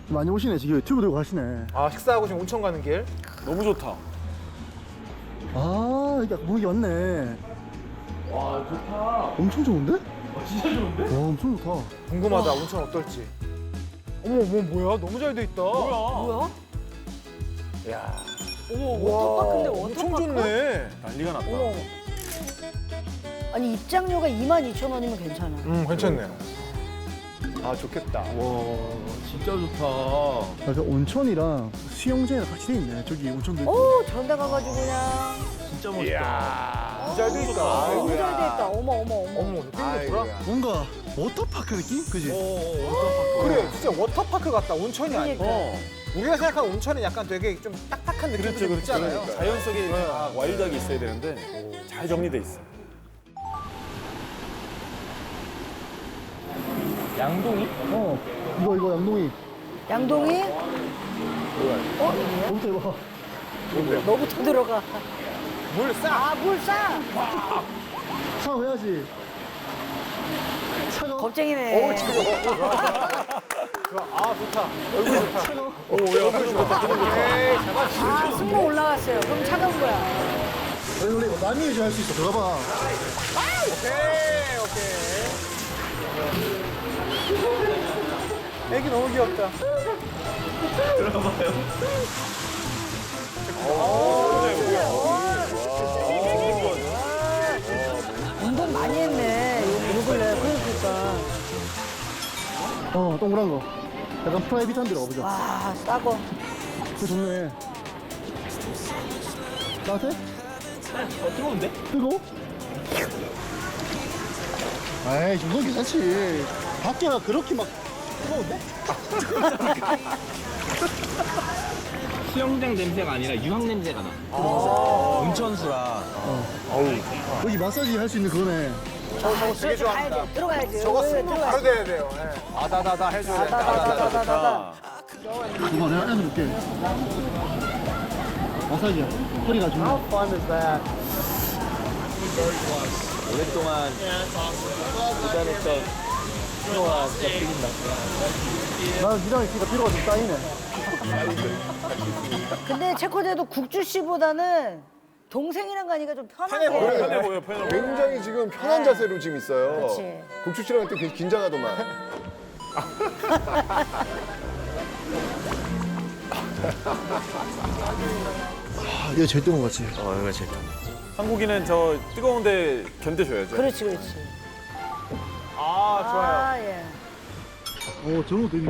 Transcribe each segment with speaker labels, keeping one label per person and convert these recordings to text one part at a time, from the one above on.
Speaker 1: 많이 오시네. 지금 튜브 들고 가시네.
Speaker 2: 아, 식사하고 지금 온천 가는 길.
Speaker 3: 너무 좋다.
Speaker 1: 아, 이게 문이 왔네.
Speaker 3: 와, 좋다.
Speaker 1: 엄청 좋은데?
Speaker 3: 진짜 좋은데?
Speaker 1: 와, 엄청 좋다.
Speaker 2: 궁금하다, 온천 어떨지. 어머, 뭐야? 너무 잘 돼 있다.
Speaker 4: 뭐야?
Speaker 2: 야,
Speaker 4: 어머, 워터파크인데
Speaker 2: 엄청
Speaker 4: 워터파크?
Speaker 2: 좋네.
Speaker 3: 난리가 났다.
Speaker 4: 어머. 아니 입장료가 22,000원이면 괜찮아.
Speaker 2: 괜찮네요. 아, 좋겠다.
Speaker 3: 와, 진짜 좋다.
Speaker 1: 약간 온천이랑 수영장이랑 같이 돼 있네. 저기 온천도 있고.
Speaker 4: 오, 저런 데 가가지고 그냥.
Speaker 3: 진짜 멋있다.
Speaker 2: 이야, 잘 돼 있다.
Speaker 4: 너무 잘 돼 있다. 어머, 어머, 어머.
Speaker 2: 어머, 느낌이 좋더라.
Speaker 1: 뭔가 워터파크 느낌? 그지?
Speaker 2: 그래, 진짜 워터파크 같다. 온천이 아니고.
Speaker 4: 그러니까.
Speaker 2: 우리가 생각하는 온천은 약간 되게 좀 딱딱한 느낌이
Speaker 3: 그렇죠,
Speaker 2: 좀
Speaker 3: 그렇죠.
Speaker 2: 있잖아요.
Speaker 3: 자연 속에 다 와일드하게 있어야 되는데 잘 정리돼 있어. 양동이?
Speaker 1: 이거 양동이.
Speaker 4: 양동이?
Speaker 1: 너부터 해봐.
Speaker 4: 너부터 들어가.
Speaker 2: 물 싹.
Speaker 4: 아, 물 싸.
Speaker 1: 샤워 해야지. 차가워.
Speaker 4: 겁쟁이네.
Speaker 2: 아, 좋다. 얼굴 좋다. 에이, 잡았지.
Speaker 4: 아, 승모 올라갔어요. 그럼 차가운 거야.
Speaker 1: 원래 이거 남이 유지할 수 있어. 들어가봐.
Speaker 2: 오케이. 애기 너무 귀엽다.
Speaker 4: 운동 많이 했네. 요 근래. 그러니까.
Speaker 1: 동그란 거. 약간 프라이빗한 데로 가보자.
Speaker 4: 와, 싸고.
Speaker 1: 그 좋네. 따뜻해?
Speaker 3: 뜨거운데?
Speaker 1: 뜨거워? 에이, 이 정도는 괜찮지. 밖에가 그렇게 막 뜨거운데?
Speaker 5: 수영장 냄새가 아니라 유황 냄새가 나. 온천수라.
Speaker 1: 여기 마사지 할 수 있는 그거네.
Speaker 2: 저거 되게
Speaker 4: 가야
Speaker 2: 좋아합니다.
Speaker 4: 돼. 들어가야지.
Speaker 2: 저거 승부 바로 돼야 돼요. 예. 아다다다 해줘야 돼.
Speaker 4: 다다다다다다.
Speaker 1: 이거 내가 해줄게. 마사지야. 허리가 좀.
Speaker 5: 오랫동안 기다렸던 피로가 진짜 풀린다.
Speaker 1: 나는 니랑 있으니까 피로가 좀 쌓이네.
Speaker 4: 근데 체코제도 국주 씨보다는 동생이랑 가니까 좀 편하게.
Speaker 3: 편해 보여, 편해 보여.
Speaker 6: 굉장히 지금 편한 자세로 지금 있어요.
Speaker 4: 그렇지.
Speaker 6: 국주 씨랑 할 때 굉장히 긴장하더만.
Speaker 1: 이거 제일 뜨거운 거 같지?
Speaker 5: 이거 제일
Speaker 3: 한국인은 저 뜨거운데 견뎌줘야죠.
Speaker 4: 그렇지, 그렇지.
Speaker 2: 아, 좋아요.
Speaker 4: 아, 예.
Speaker 1: 저거 되게.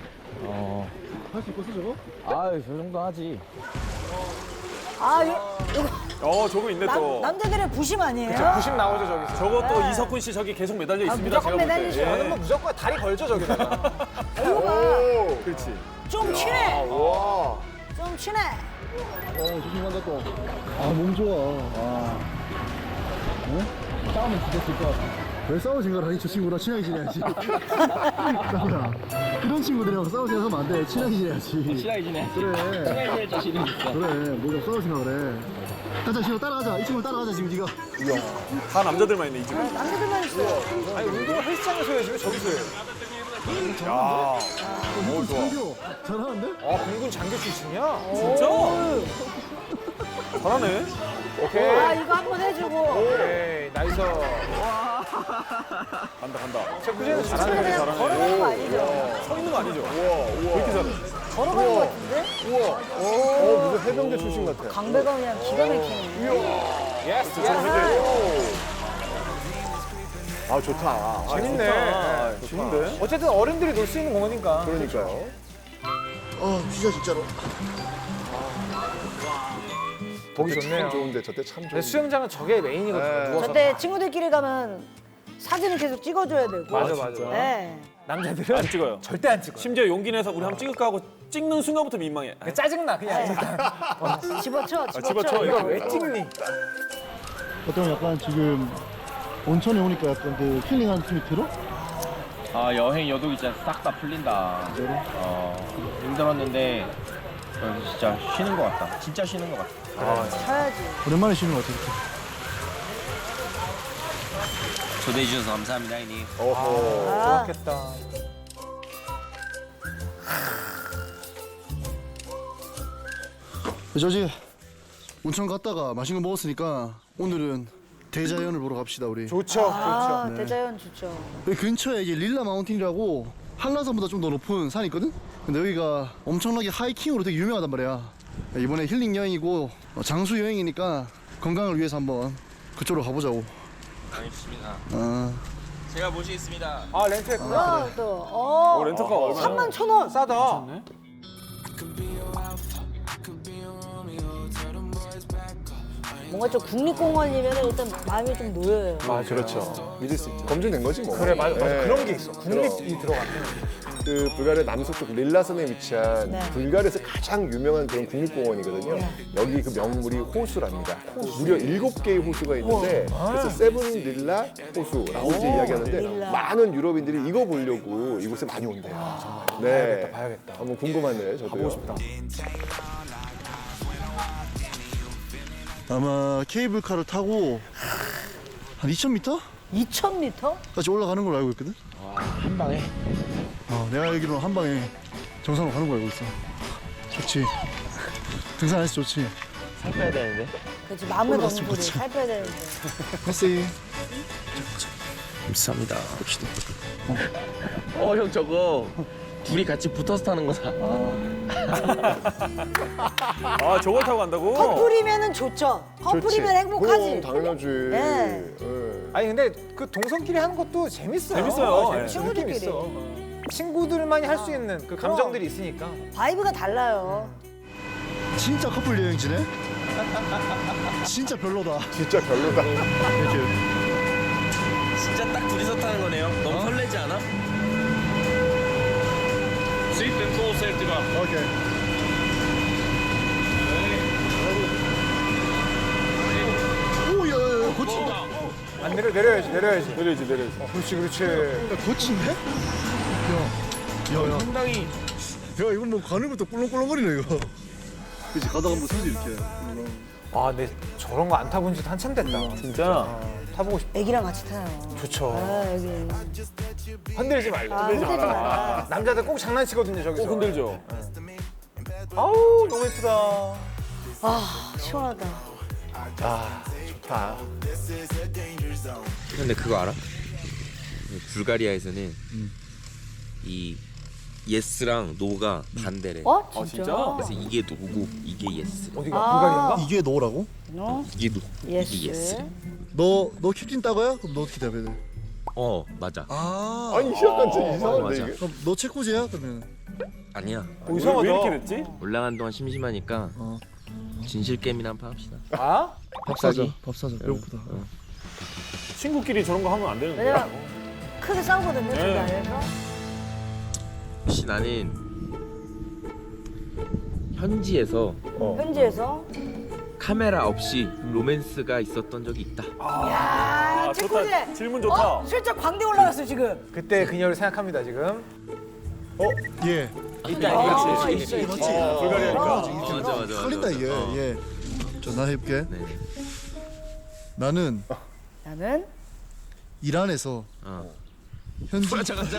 Speaker 1: 할 수 있겠어, 저거?
Speaker 5: 저 정도 하지.
Speaker 4: 아, 이거
Speaker 3: 저거 있네 또.
Speaker 4: 남자들의 부심 아니에요?
Speaker 2: 90 나오죠, 저기서.
Speaker 3: 저거 또 이석훈 씨 저기 계속 매달려 있습니다.
Speaker 4: 무조건
Speaker 3: 제가 볼 때.
Speaker 4: 매달리죠.
Speaker 2: 저는 뭐 무조건 다리 걸죠, 저기다가.
Speaker 4: 이거가
Speaker 3: 그렇지.
Speaker 4: 좀 친해.
Speaker 6: 와.
Speaker 4: 좀 친해.
Speaker 1: 조심한다 또. 몸 좋아. 싸우면 죽였을 것 같아. 왜 싸우진 거라니? 저 친구랑 친하게 지내야지. 싸우야. 이런 친구들이랑 싸우지 하면 안 돼. 친하게 지내야지.
Speaker 5: 친하게 지내.
Speaker 1: 그래.
Speaker 5: 친하게 지낼 자신은 있어.
Speaker 1: 그래. 뭐가 싸우지 마 그래. 가자, 지금 따라가자. 이 친구 따라가자, 지금 네가.
Speaker 3: 다 남자들만 있네 이 집은.
Speaker 4: 남자들만 있어요.
Speaker 2: 아니, 운동을 헬스장에서 해야지, 왜 저기서 해요?
Speaker 3: 야,
Speaker 1: 오, 장교. 잘하는데?
Speaker 2: 아, 공군 장교 출신이야?
Speaker 3: 진짜? 잘하네.
Speaker 2: 오케이.
Speaker 4: 아, 이거 한번 해주고.
Speaker 2: 오케이, 나이스.
Speaker 3: 간다 간다.
Speaker 2: 체크제는
Speaker 4: 친구들
Speaker 2: 잘하네.
Speaker 4: 그냥
Speaker 3: 잘하네.
Speaker 4: 걸어가는 거 아니죠?
Speaker 3: 서 있는 거 아니죠?
Speaker 6: 우와.
Speaker 3: 왜 이렇게 잘해?
Speaker 4: 걸어가는 거 같은데?
Speaker 6: 우와. 무슨 해병대 출신 같아.
Speaker 4: 강배가 그냥 기가 막히네.
Speaker 2: 예스,
Speaker 3: 저거
Speaker 2: 예스.
Speaker 6: 아, 좋다.
Speaker 2: 재밌네.
Speaker 3: 아, 좋은데?
Speaker 2: 어쨌든 어른들이 놀 수 있는 공원이니까.
Speaker 6: 그러니까요.
Speaker 1: 진짜 진짜로.
Speaker 2: 보기
Speaker 6: 저때
Speaker 2: 좋네요.
Speaker 6: 참 좋은데, 저때 참
Speaker 2: 근데
Speaker 6: 좋은데.
Speaker 2: 수영장은 저게 메인이거든요.
Speaker 6: 네.
Speaker 2: 누워서.
Speaker 4: 저때 친구들끼리 가면 사진을 계속 찍어줘야 되고.
Speaker 2: 맞아, 맞아.
Speaker 4: 네.
Speaker 2: 남자들은
Speaker 3: 안 찍어요.
Speaker 2: 절대 안 찍어요.
Speaker 3: 심지어 용기 내서 우리 한번 찍을까 하고 찍는 순간부터 민망해.
Speaker 2: 그냥 짜증나, 그냥.
Speaker 4: 집어쳐,
Speaker 3: 집어쳐,
Speaker 2: 이거
Speaker 3: 이거.
Speaker 2: 왜 찍니?
Speaker 1: 어떤 약간 지금 온천에 오니까 약간 그 힐링하는 느낌이 들어?
Speaker 5: 여행 여독이 진짜 싹 다 풀린다. 힘들었는데 진짜 쉬는 것 같다. 진짜 쉬는 것 같다.
Speaker 4: 쳐야지.
Speaker 1: 오랜만에 쉬는 것 같아. 이렇게.
Speaker 5: 초대해 주셔서 감사합니다, 형님.
Speaker 6: 어허.
Speaker 2: 좋았겠다.
Speaker 1: 저지 온천 갔다가 맛있는 거 먹었으니까 오늘은 대자연을 보러 갑시다 우리.
Speaker 2: 좋죠,
Speaker 4: 아,
Speaker 2: 좋죠.
Speaker 4: 대자연 좋죠.
Speaker 1: 여기 근처에 이게 릴라 마운틴이라고 한라산보다 좀 더 높은 산이 있거든? 근데 여기가 엄청나게 하이킹으로 되게 유명하단 말이야. 이번에 힐링 여행이고 장수 여행이니까 건강을 위해서 한번 그쪽으로 가보자고.
Speaker 5: 알겠습니다.
Speaker 1: 아,
Speaker 5: 제가 모시겠습니다.
Speaker 2: 아, 렌트했구나.
Speaker 4: 아, 또,
Speaker 3: 렌터카 얼마나?
Speaker 4: 31,000원.
Speaker 2: 싸다.
Speaker 4: 뭔가 좀 국립공원이면 일단 마음이 좀 놓여요.
Speaker 3: 아 그렇죠. 믿을 수 있죠.
Speaker 6: 검증된 거지 뭐.
Speaker 2: 그래, 맞아.
Speaker 6: 네.
Speaker 2: 그런 게 있어. 국립이 들어갔네.
Speaker 6: 그 불가리아 남서쪽 릴라산에 위치한
Speaker 4: 네.
Speaker 6: 불가리아에서 가장 유명한 그런 국립공원이거든요. 여기 그 명물이 호수랍니다. 무려 7개의 호수가 있는데 그래서 세븐 릴라 호수라고 이제 이야기하는데
Speaker 4: 릴라.
Speaker 6: 많은 유럽인들이 이거 보려고 이곳에 많이 온대요. 정말. 네.
Speaker 2: 봐야겠다.
Speaker 6: 한번 궁금하네요. 저도요.
Speaker 2: 가보고 싶다.
Speaker 1: 아마 케이블카를 타고 한 2,000m?
Speaker 4: 2,000m?
Speaker 1: 까지 올라가는 걸로 알고 있거든?
Speaker 5: 한 방에.
Speaker 1: 내가 알기로는 한 방에 정상으로 가는 걸로 알고 있어. 좋지. 등산해서 좋지.
Speaker 5: 살 빼야 되는데.
Speaker 4: 그렇지, 마음을 먹는
Speaker 1: 올라갔으면
Speaker 4: 소리
Speaker 1: 좋지.
Speaker 4: 살 빼야 되는데.
Speaker 1: 글쎄.
Speaker 5: 비쌉니다. 봅시다. 형 저거 둘이 같이 붙어서 타는 거다.
Speaker 3: 아 저걸 타고 간다고?
Speaker 4: 커플이면은 좋죠. 커플이면 행복하지.
Speaker 6: 그럼 당연하지.
Speaker 4: 네.
Speaker 6: 네.
Speaker 2: 아니, 근데 그 동성끼리 하는 것도 재밌어요.
Speaker 3: 재밌어요. 네.
Speaker 2: 느낌
Speaker 4: 친구들끼리.
Speaker 2: 있어. 친구들만이 할 수 있는 그 감정들이 있으니까.
Speaker 4: 바이브가 달라요.
Speaker 1: 진짜 커플 여행지네? 진짜 별로다.
Speaker 6: 진짜 별로다.
Speaker 1: 이렇게.
Speaker 5: 진짜 딱 둘이서 타는 거네요. 너무 설레지 않아?
Speaker 1: 오케이. 오, 야, 고친다.
Speaker 2: 안 내려야지.
Speaker 3: 내려야지.
Speaker 2: 그렇지, 그렇지.
Speaker 1: 야, 고친데? 야.
Speaker 5: 상당히
Speaker 1: 야, 이건 뭐 가는 것도 꿀렁꿀렁거리네, 이거. 그치, 가다가 한번 서지, 이렇게.
Speaker 2: 아, 내 저런 거 안 타본 지 한참 됐다.
Speaker 3: 진짜.
Speaker 2: 타보고 싶다.
Speaker 4: 애기랑 같이 타요.
Speaker 2: 좋죠.
Speaker 4: 아, 여기.
Speaker 2: 흔들지 말고.
Speaker 4: 아, 흔들지 마.
Speaker 2: 남자들 꼭 장난치거든요, 저기서.
Speaker 3: 꼭 흔들죠.
Speaker 2: 아우, 너무 예쁘다.
Speaker 4: 아, 시원하다.
Speaker 6: 아, 좋다.
Speaker 7: 근데 그거 알아? 불가리아에서는 이 예스랑 노가 반대래.
Speaker 4: 어?
Speaker 3: 아
Speaker 4: 진짜?
Speaker 3: 진짜?
Speaker 7: 그래서 이게 노고 이게 예스.
Speaker 2: 어디가?
Speaker 4: 아.
Speaker 2: 불가리아인가?
Speaker 1: 이게 너라고?
Speaker 4: 너?
Speaker 7: 이게 노
Speaker 4: 예스.
Speaker 7: 이게 예스.
Speaker 1: 너 캡틴 따거야? 그럼 너 어떻게 답해야 돼?
Speaker 7: 맞아.
Speaker 1: 아,
Speaker 6: 아니, 약간 좀 이상한데,
Speaker 7: 맞아.
Speaker 6: 이게.
Speaker 1: 그럼 너 체코제야? 그러면.
Speaker 7: 아니야.
Speaker 2: 이상하다.
Speaker 3: 왜 이렇게 됐지?
Speaker 7: 올라간 동안 심심하니까 진실 게임이나 한판 합시다.
Speaker 2: 아?
Speaker 1: 밥 사자.
Speaker 7: 갑자기?
Speaker 1: 밥 사자. 배고프다.
Speaker 3: 친구끼리 저런 거 하면 안 되는데.
Speaker 4: 왜냐면 크게 싸우거든요,
Speaker 3: 네.
Speaker 4: 저기 안에서.
Speaker 7: 혹시 나는 현지에서
Speaker 4: 현지에서.
Speaker 7: 카메라 없이 로맨스가 있었던 적이 있다.
Speaker 4: 야,
Speaker 3: 아,
Speaker 4: 체코제.
Speaker 3: 좋다. 질문 좋다.
Speaker 4: 슬쩍 광대 올라갔어, 지금.
Speaker 2: 그때 그녀를 생각합니다, 지금.
Speaker 1: 예.
Speaker 4: 아, 있어, 있어.
Speaker 1: 맞지?
Speaker 3: 불가리아니까.
Speaker 7: 맞아.
Speaker 1: 틀린다, 이게. 예. 자, 나 해볼게.
Speaker 7: 네.
Speaker 1: 나는
Speaker 4: 나는
Speaker 1: 이란에서 현지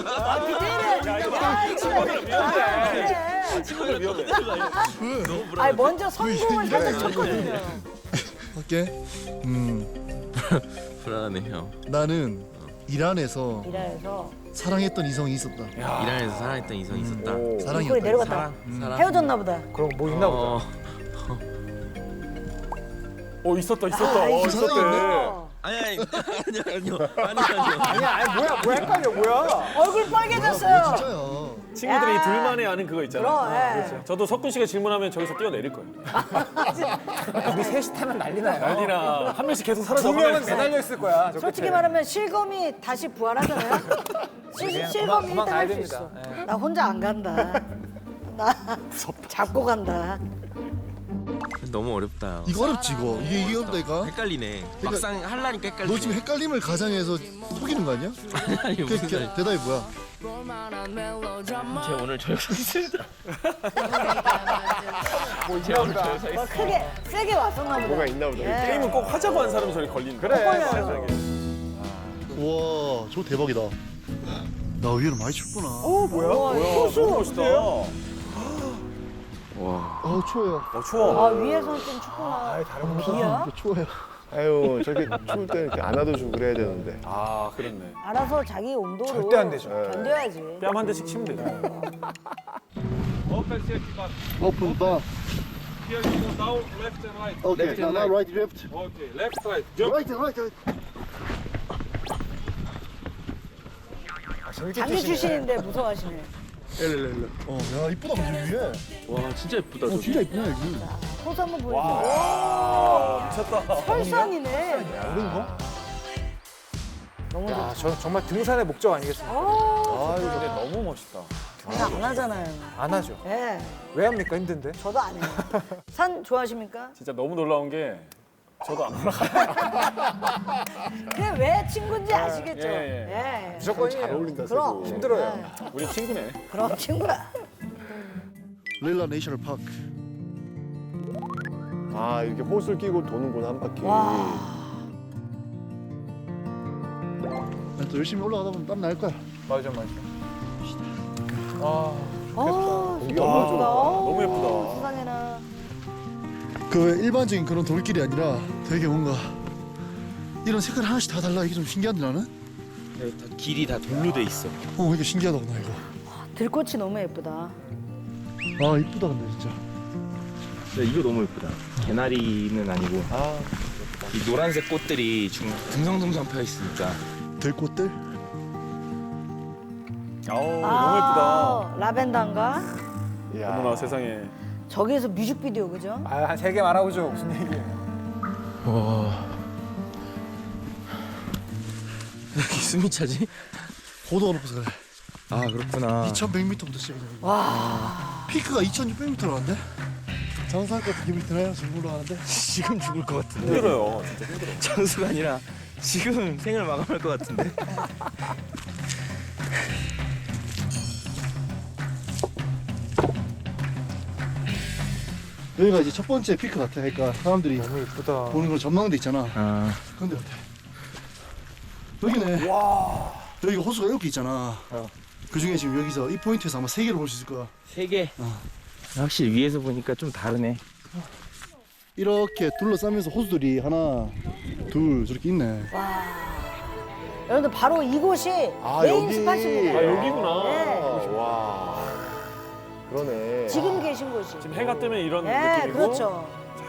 Speaker 3: 친구들 위험해.
Speaker 4: 아니 먼저 성공을 살짝 쳤거든요.
Speaker 1: 할게.
Speaker 7: 불안하네 형.
Speaker 1: 나는 이란에서
Speaker 4: 이라에서
Speaker 1: 사랑했던 이성이 있었다.
Speaker 7: 이란에서 사랑했던 이성이 있었다.
Speaker 6: 오.
Speaker 4: 소리
Speaker 1: 사랑이었다.
Speaker 4: 내려갔다.
Speaker 7: 사랑.
Speaker 4: 헤어졌나 보다.
Speaker 2: 그럼 뭐 있나 보다.
Speaker 3: 있었다.
Speaker 1: 그
Speaker 3: 있었대.
Speaker 4: 어.
Speaker 7: 아니요.
Speaker 2: 아니야, 뭐야, 헷갈려, 뭐야.
Speaker 4: 얼굴 빨개졌어요.
Speaker 1: 진짜야.
Speaker 3: 친구들이
Speaker 4: 야.
Speaker 3: 둘만의 아는 그거 있잖아.
Speaker 4: 그럼, 예.
Speaker 3: 저도 석군 씨가 질문하면 저기서 뛰어내릴 거예요.
Speaker 2: 우리 셋이 타면 난리 나요.
Speaker 3: 난리나 한 명씩 계속
Speaker 2: 두
Speaker 3: 사라져.
Speaker 2: 명은 매달려 있을 거야. 저
Speaker 4: 솔직히
Speaker 2: 끝에.
Speaker 4: 말하면 실검이 다시 부활하잖아요. 실검이
Speaker 2: 그만
Speaker 4: 1등
Speaker 2: 가야
Speaker 4: 할 수
Speaker 2: 됩니다.
Speaker 4: 있어.
Speaker 2: 예.
Speaker 4: 나 혼자 안 간다. 나 잡고 간다.
Speaker 7: 너무 어렵다.
Speaker 1: 이거 어렵지 이거. 이게 어렵다니까.
Speaker 7: 헷갈리네. 막상 하려니까 헷갈리네.
Speaker 1: 너 지금 헷갈림을 가장해서 속이는 거 아니야?
Speaker 7: 아니 무슨 소리.
Speaker 1: 대답이 뭐야?
Speaker 7: 제 오늘 저녁 샀습니다.
Speaker 4: 뭐 크게 세게 왔었나 보다.
Speaker 6: 뭐가 있나 보다.
Speaker 4: 예.
Speaker 3: 게임은 꼭 하자고 한 사람이 저리 걸리는
Speaker 2: 그래.
Speaker 4: 걸려요.
Speaker 1: 우와, 저 대박이다. 나 의외로 많이 춥구나.
Speaker 2: 뭐야?
Speaker 4: 호수.
Speaker 3: 멋있다.
Speaker 1: 추워요.
Speaker 3: 추워.
Speaker 4: 아 위에서는 좀 춥구나.
Speaker 2: 아예 다른 거.
Speaker 4: 비야?
Speaker 1: 추워요.
Speaker 6: 아유 저렇게 추울 때는 이렇게 안아줘주고 그래야 되는데.
Speaker 3: 아, 그렇네.
Speaker 4: 알아서 자기 온도로
Speaker 2: 절대 안 되죠.
Speaker 4: 견뎌야지.
Speaker 3: 뺨 한 대씩 치면 되죠.
Speaker 8: Open safety button.
Speaker 1: 오픈 바.
Speaker 8: Here you go down, left and right.
Speaker 1: 오케이. 나 right, left.
Speaker 8: Okay, left, right. Jump.
Speaker 1: Right, right.
Speaker 2: 아, 재밌게
Speaker 4: 장기
Speaker 2: 뛰시네.
Speaker 4: 출신인데 무서워하시네.
Speaker 1: 야 이쁘다 근데 위에.
Speaker 5: 와 진짜 예쁘다. 저기.
Speaker 1: 진짜 이쁘네 여기.
Speaker 4: 포즈 한번 보여줘.
Speaker 3: 와, 미쳤다.
Speaker 4: 설산이네.
Speaker 1: 어른가?
Speaker 4: 너무
Speaker 2: 야,
Speaker 4: 좋다.
Speaker 2: 저 정말 등산의 목적 아니겠습니까?
Speaker 3: 아, 이거 근데 너무 멋있다.
Speaker 4: 장난 안 하잖아요.
Speaker 2: 안 하죠.
Speaker 4: 예.
Speaker 2: 왜 합니까? 힘든데.
Speaker 4: 저도 안 해요. 산 좋아하십니까?
Speaker 3: 진짜 너무 놀라운 게 저도 안 올라가요.
Speaker 4: 그게 왜 친구인지 아시겠죠?
Speaker 3: 예,
Speaker 2: 무조건
Speaker 6: 잘 어울린다.
Speaker 4: 그럼.
Speaker 6: 세고.
Speaker 2: 힘들어요.
Speaker 3: 우리 친구네.
Speaker 4: 그럼 친구야.
Speaker 1: 릴라 내셔널 파크.
Speaker 6: 아 이렇게 호수를 끼고 도는구나 한 바퀴.
Speaker 4: 와.
Speaker 1: 또 열심히 올라가다 보면 땀 날 거야.
Speaker 2: 맞아. 아,
Speaker 6: 공기
Speaker 4: 너무
Speaker 6: 너무
Speaker 4: 예쁘다.
Speaker 3: 너무 예쁘다.
Speaker 4: 세상에나.
Speaker 1: 그 일반적인 그런 돌길이 아니라 되게 뭔가 이런 색깔 하나씩 다 달라. 이게 좀 신기한데 나는?
Speaker 5: 네, 다 길이 다 돌로 돼 있어.
Speaker 1: 이게 신기하다고 나 이거.
Speaker 4: 들꽃이 너무 예쁘다.
Speaker 1: 아 이쁘다 근데 진짜.
Speaker 5: 야, 이거 너무 예쁘다. 개나리는 아니고
Speaker 6: 아
Speaker 5: 이 노란색 꽃들이 둥성둥성 펴 있으니까.
Speaker 1: 들꽃들?
Speaker 3: 아우, 너무 예쁘다.
Speaker 4: 라벤더인가?
Speaker 6: 이야.
Speaker 3: 어머나 세상에.
Speaker 4: 저기에서 뮤직비디오 그죠?
Speaker 2: 아, 한 3개 말아보죠. 무슨 얘기예요?
Speaker 5: 와. 이렇게 숨이 차지?
Speaker 1: 고도가 높아서 그래.
Speaker 5: 아 그렇구나.
Speaker 1: 2,100m부터 시작이네.
Speaker 4: 와.
Speaker 1: 피크가 2,600m라는데? 장사할 것 같은 기분이 드나요? 지금 올라가는데?
Speaker 5: 지금 죽을 것 같은데.
Speaker 3: 힘들어요. 진짜 힘들어.
Speaker 5: 장수가 아니라 지금 생을 마감할 것 같은데.
Speaker 1: 여기가 이제 첫 번째 피크 같아. 그러니까 사람들이
Speaker 2: 너무 예쁘다.
Speaker 1: 보는 걸 전망대 있잖아.
Speaker 5: 아
Speaker 1: 그런데 같아. 여기네. 여기가 호수가 이렇게 있잖아. 그 중에 지금 여기서 이 포인트에서 아마 3개를 볼 수 있을 거야.
Speaker 5: 3개. 확실히 위에서 보니까 좀 다르네.
Speaker 1: 이렇게 둘러싸면서 호수들이 하나, 둘 저렇게 있네.
Speaker 4: 여러분들 바로 이곳이
Speaker 6: 아,
Speaker 4: 메인
Speaker 6: 여기.
Speaker 4: 스팟입니다.
Speaker 3: 아, 여기구나.
Speaker 4: 네.
Speaker 6: 와. 그러네.
Speaker 4: 지금 계신 곳이.
Speaker 3: 지금 해가 뜨면 이런
Speaker 4: 네,
Speaker 3: 느낌이고.
Speaker 4: 그렇죠.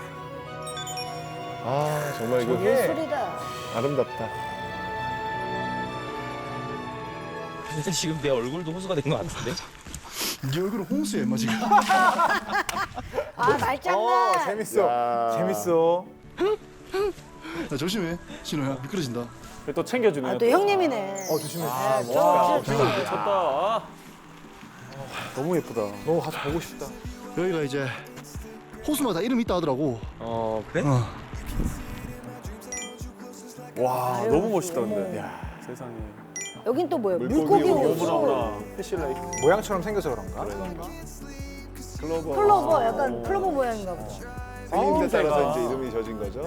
Speaker 6: 아 정말 이거
Speaker 4: 예술이다.
Speaker 6: 아름답다.
Speaker 5: 근데 지금 내 얼굴도 호수가 된 것 같은데?
Speaker 1: 네 얼굴은 홍수야 임마 지금.
Speaker 4: 아, 말장난.
Speaker 2: 재밌어.
Speaker 6: 야.
Speaker 2: 재밌어.
Speaker 1: 야, 조심해 신호야 미끄러진다.
Speaker 3: 그래, 또 챙겨주네.
Speaker 4: 아, 또 형님이네.
Speaker 2: 조심해.
Speaker 3: 미쳤다. 너무 예쁘다.
Speaker 2: 너무 가서 보고 싶다.
Speaker 1: 여기가 이제 호수마다 이름이 있다 하더라고.
Speaker 5: 그래?
Speaker 3: 와,
Speaker 4: 아유,
Speaker 3: 너무 멋있다 근데.
Speaker 4: 어머.
Speaker 3: 야, 세상에.
Speaker 4: 여긴 또 뭐예요?
Speaker 6: 물고기
Speaker 4: 물고기
Speaker 6: 호수.
Speaker 4: 호수.
Speaker 3: 어머나. 패실라이트.
Speaker 2: 모양처럼 생겨서 그런가?
Speaker 6: 클로버.
Speaker 4: 클로버, 약간 클로버 모양인가 보다.
Speaker 6: 생긴 데 따라서
Speaker 3: 새가.
Speaker 6: 이제 이름이 져진 거죠.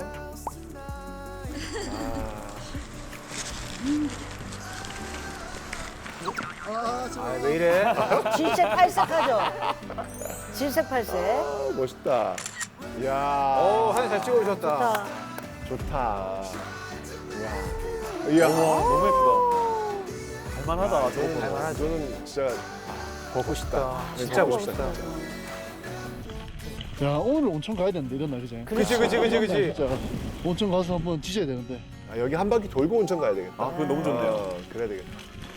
Speaker 2: 아, 왜 이래?
Speaker 4: 질색팔색하죠? 질색팔색.
Speaker 6: 아, 멋있다. 이야.
Speaker 2: 사진 잘 찍어주셨다.
Speaker 4: 자,
Speaker 6: 좋다. 이야. 이야.
Speaker 3: 너무 예쁘다. 갈만하다. 저거 보고.
Speaker 6: 갈만하죠. 저는 진짜
Speaker 2: 보고 싶다. 진짜
Speaker 6: 보고
Speaker 2: 보고 싶다.
Speaker 1: 야 오늘 온천 가야 되는데 이런 날 그지?
Speaker 2: 그치.
Speaker 1: 진짜 온천 가서 한번 지져야 되는데.
Speaker 6: 아, 여기 한 바퀴 돌고 온천 가야 되겠다.
Speaker 3: 아, 그건 너무 좋네요.
Speaker 6: 그래야 되겠다.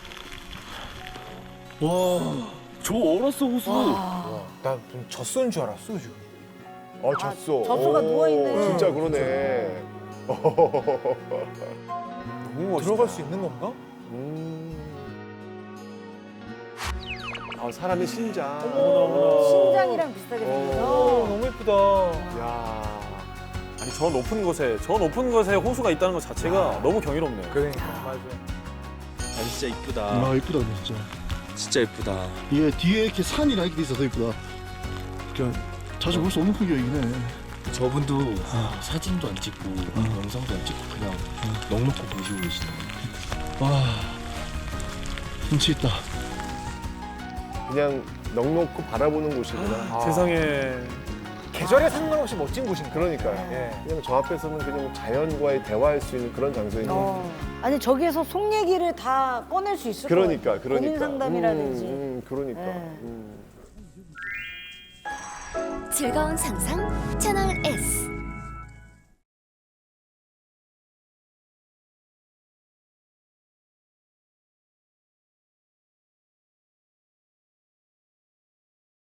Speaker 5: 와, 저 얼었어 호수.
Speaker 2: 나 젖소인 줄 알았어, 지금.
Speaker 6: 젖소.
Speaker 4: 젖소가
Speaker 6: 오,
Speaker 4: 누워있네.
Speaker 6: 진짜 그러네.
Speaker 3: 너무 멋있다.
Speaker 2: 들어갈 수 있는 건가?
Speaker 6: 아, 사람의 신장.
Speaker 4: 신장이랑 비슷하게 생겨서.
Speaker 2: 너무 예쁘다.
Speaker 6: 야.
Speaker 3: 아니 저 높은 곳에 호수가 있다는 것 자체가 너무 경이롭네요.
Speaker 2: 그러니까, 맞아.
Speaker 5: 아 진짜 이쁘다.
Speaker 1: 아 이쁘다 근데 진짜.
Speaker 5: 진짜 이쁘다.
Speaker 1: 이게 뒤에 이렇게 산이랑 이렇게 돼 있어서 이쁘다. 그러니까 자주 볼 수 없는 풍경이긴 해.
Speaker 5: 저분도 사진도 안 찍고 영상도 안 찍고 그냥 넉넉히 보시고 계시더라고요.
Speaker 1: 와 운치 있다.
Speaker 6: 그냥 넉넉히 바라보는 곳이구나.
Speaker 3: 세상에.
Speaker 2: 계절에 상관없이 멋진 곳인가.
Speaker 6: 그러니까요.
Speaker 2: 예.
Speaker 6: 그냥 저 앞에서는 그냥 자연과의 대화할 수 있는 그런 장소인 것 같아요.
Speaker 4: 아니 저기에서 속 얘기를 다 꺼낼 수 있을 거예요.
Speaker 6: 그러니까.
Speaker 4: 고민 상담이라든지.
Speaker 6: 그러니까.
Speaker 4: 네.
Speaker 9: 즐거운 상상 채널 S.